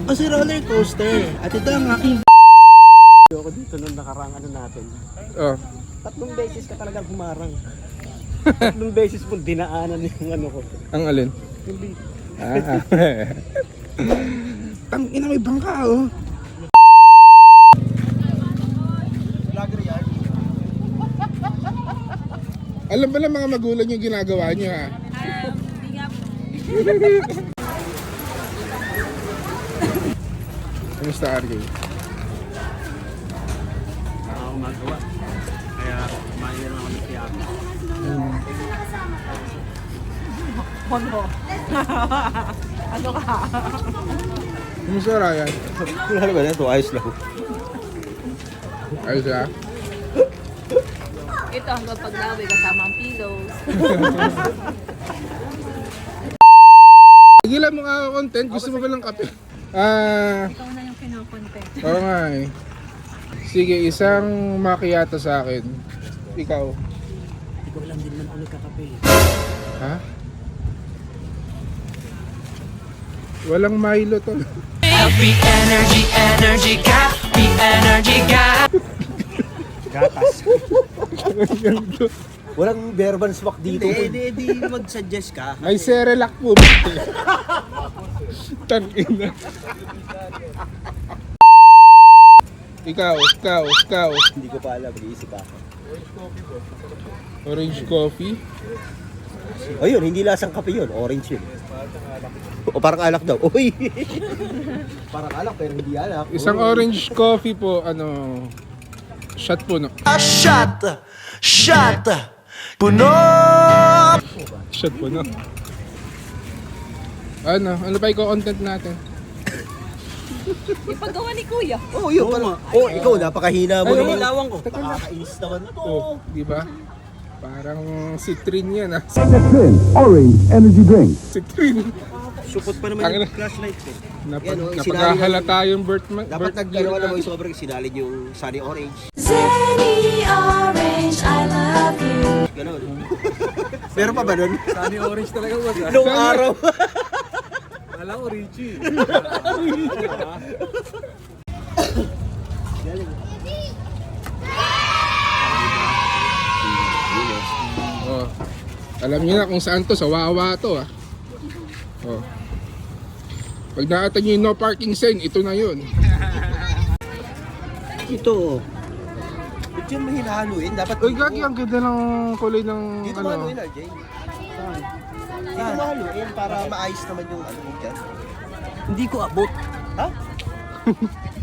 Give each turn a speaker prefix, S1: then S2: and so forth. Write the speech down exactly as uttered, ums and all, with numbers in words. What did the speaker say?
S1: Kasi roller coaster. At ito ang aking ako dito nung nakarang ano natin.
S2: Oh.
S1: Tatlong beses ka talagang humarang. Tatlong beses mo dinaanan yung ano ko.
S2: Ang alin?
S1: Yung beat.
S2: Ah. Tang ina may bangka oh.
S1: Vlogger yan.
S2: Alam ba lang mga magulang yung ginagawa niyo ha?
S3: Hindi nga po.
S2: Kamusta R J?
S1: Ako magawa. Kaya kumain lang kami siya.
S3: Ano? Ano ka?
S2: Kamusta Ryan?
S1: Wala ba na ito? Ayos lang.
S2: Ayos ha?
S3: Ito hanggang paglawi kasama ang pillows.
S2: Tigilan mo nga ako content. Gusto mo ba ng kape? Ah,
S3: Ikaw na yung kinokontent.
S2: oo nga eh. Sige, isang macchiato sa akin. Ikaw.
S1: Hindi ko alam din naman ako nagkakape.
S2: Ha? Walang Milo to.
S4: Happy energy, energy, happy energy, gap.
S1: Gatas. Walang verbal swak dito. Hindi, hindi, hindi mag-suggest ka.
S2: May Cerelac po. Tangina. Ikaw, ikaw, ikaw.
S1: Hindi ko pa alam, mag-iisip ako.
S2: Orange coffee.
S1: Ayun, hindi lasang kape yun, orange yun. O parang alak daw. Uy! Parang alak pero hindi alak.
S2: Isang
S1: Uy.
S2: orange coffee po, ano, shot po no.
S4: Shot, shot, puno.
S2: Shot po no. Ano, ano pa i-content natin?
S3: Yung paggawa ni Kuya.
S1: Oh, yun pala. Oh, ikaw, napakahina mo
S2: Ay,
S1: naman.
S2: wala.
S1: Lawang ko. Nakakainis naman ito.
S2: Oh, di ba? Parang citrin yan ah.
S5: Citrin Orange Energy Drink.
S2: Citrin.
S1: Supot pa
S2: Ang
S1: naman
S2: ina.
S1: yung flashlight ko.
S2: Napag,
S1: Yan, oh,
S2: napaghahalata yung birth, ma-
S1: Dapat
S2: birth
S1: nag-ano
S2: year
S1: ka naman
S2: natin.
S1: yung sobrang sinalin yung sunny orange.
S6: Zenny Orange, I love you.
S1: Ganon. Meron pa ba nun?
S7: Sunny orange talaga boss ah.
S1: Nung araw.
S7: Kala ko Richie.
S2: Oh. Alam niyo na kung saan to, sa Wawa to ah. Oh. Pag nakita niyo yung no parking sign, ito na yun.
S1: Ito. Ba't yun mahinahaluin? Dapat
S2: Uy, gagi, ang ganda ng kulay ng
S1: dito
S2: ano.
S1: mahaluin, R J. Dito mahaluin para maayos naman yung ano mo dyan.
S7: Hindi ko abot.
S1: Ha?